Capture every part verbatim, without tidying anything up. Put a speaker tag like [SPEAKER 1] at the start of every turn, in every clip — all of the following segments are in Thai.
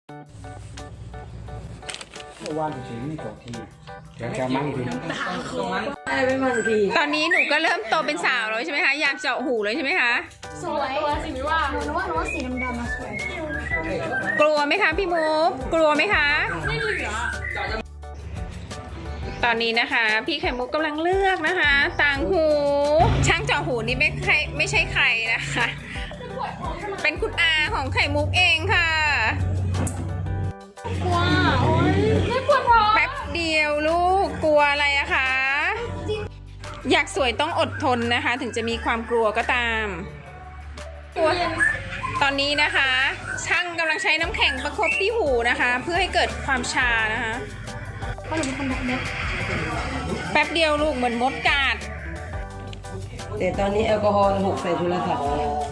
[SPEAKER 1] ว่านเฉยๆไม่ต่อทีเดี๋ยวจะมั่งที
[SPEAKER 2] อะไรไม่มันที
[SPEAKER 3] ตอนนี้หนูก็เริ่มโตเป็นสาวแล้วใช่ไหมคะอยากเจาะหูเลยใช่ไหมคะ
[SPEAKER 4] สวยตัวสิมิว่าหนูว่าหนูว่าสีดำๆมาสวย
[SPEAKER 3] กลัวไหมคะพี่มุกกลัวไหมคะไม่เหลือตอนนี้นะคะ พี่ไข่มุกกำลังเลือกนะคะต่างหูช่างเจาะหูนี่ไม่ใครไม่ใช่ใครนะคะ เป็นคุณอาของไข่มุกเองค่ะ
[SPEAKER 4] ว้าวโอ้ยไม่ปวดท้อง
[SPEAKER 3] แป๊บเดียวลูกกลัวอะไรอะคะ อยากสวยต้องอดทนนะคะ ถึงจะมีความกลัวก็ตามกลัวตอนนี้นะคะ ช่างกำลังใช้น้ำแข็งประคบที่หูนะคะ เพื่อให้เกิดความชานะคะ
[SPEAKER 4] เพราะหนูเป็นคนแบบเล็ก
[SPEAKER 3] แป๊บเดียวลูกเหมือนมดกัด
[SPEAKER 2] แต่ตอนนี้แอลกอฮอล์หกใส่โทรศัพท์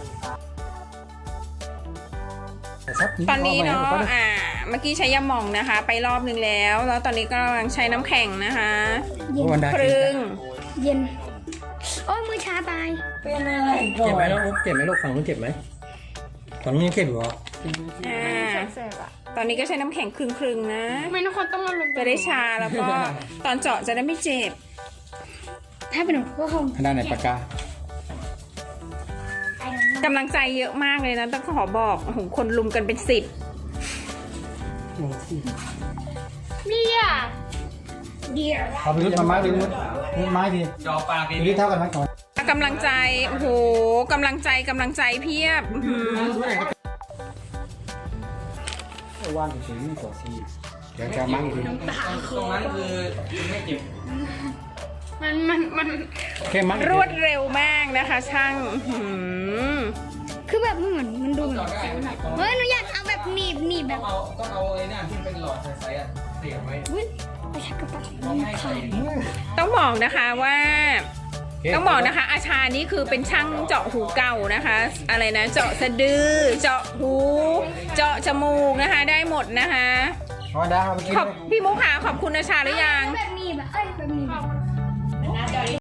[SPEAKER 3] ตอนนี้เนาะอ่าเมื่อกี้ใช้ยาหม่องนะคะ ไปรอบนึงแล้ว แล้วตอนนี้ก็กำลังใช้น้ำแข็งนะคะ
[SPEAKER 1] วันได้
[SPEAKER 3] ครึ่ง
[SPEAKER 4] เย็นโอ้ยมือชาตาย
[SPEAKER 2] เป็นอะไรก่อ
[SPEAKER 1] เจ็บไหม
[SPEAKER 2] น
[SPEAKER 1] ลูกเจ็บไหมลูกฝั่งนู้นเจ็บไหมฝั่งนู้นยังเจ็บอยู่เหรอ
[SPEAKER 3] อ่าตอนนี้ก็ใช้น้ำแข็งครึ่งๆนะ
[SPEAKER 4] ไม่ทุกคนต้องมาลง
[SPEAKER 3] จะได้ชาแล้วก็ตอนเจาะจะได้ไม่เจ็บ
[SPEAKER 4] ถ้าเป็นหนูก็คง
[SPEAKER 1] ด้านไหนปากกาก
[SPEAKER 3] ำลังใจเยอะมากเลยนะต้องขอบอกโอ้โหคนลุมกันเป็นสิบ
[SPEAKER 4] เดียเดีย
[SPEAKER 1] เอาไปรุดมาไม้ไปรุดรุดไม้ดีจอปากดีนี่เท่ากันไหมก่อน
[SPEAKER 3] กำลังใจโอ้โหกำลังใจกำลังใจเพียบอื้อหือ
[SPEAKER 1] ว่านเฉยๆไม่ต่อทีเดี๋ยวจะมั่งที
[SPEAKER 5] ตรงนั้นคือไม่เจ็บ
[SPEAKER 4] มันมันมัน
[SPEAKER 1] แค่มั่ง
[SPEAKER 3] รวดเร็วมากนะคะ ช่างอื้อหือ
[SPEAKER 4] คือแบบมันเหมือนมันดูเหมือนเฮ้ยหนูอยากเอาแบบหนีบหนีบแบบ
[SPEAKER 5] เอาต้องเอาไอ้นั่นที่เป็นหลอดใสๆอ่ะเสียบไว้
[SPEAKER 4] อุ้ยไปชักกระเป๋าขาด
[SPEAKER 3] ต้องบอกนะคะว่า ต้องบอกนะคะ อาชานี่คือเป็นช่างเจาะหูเก่านะคะ อะไรนะ เจาะสะดือ เจาะหู เจาะจมูกนะคะ ได้หมดนะคะ
[SPEAKER 1] พอได้เอาไปกิน
[SPEAKER 3] ขอบพี่มุกค่ะขอบคุณอาชาหรือยัง
[SPEAKER 4] แบบหนีบแบบเอ้ยแบบหนีบ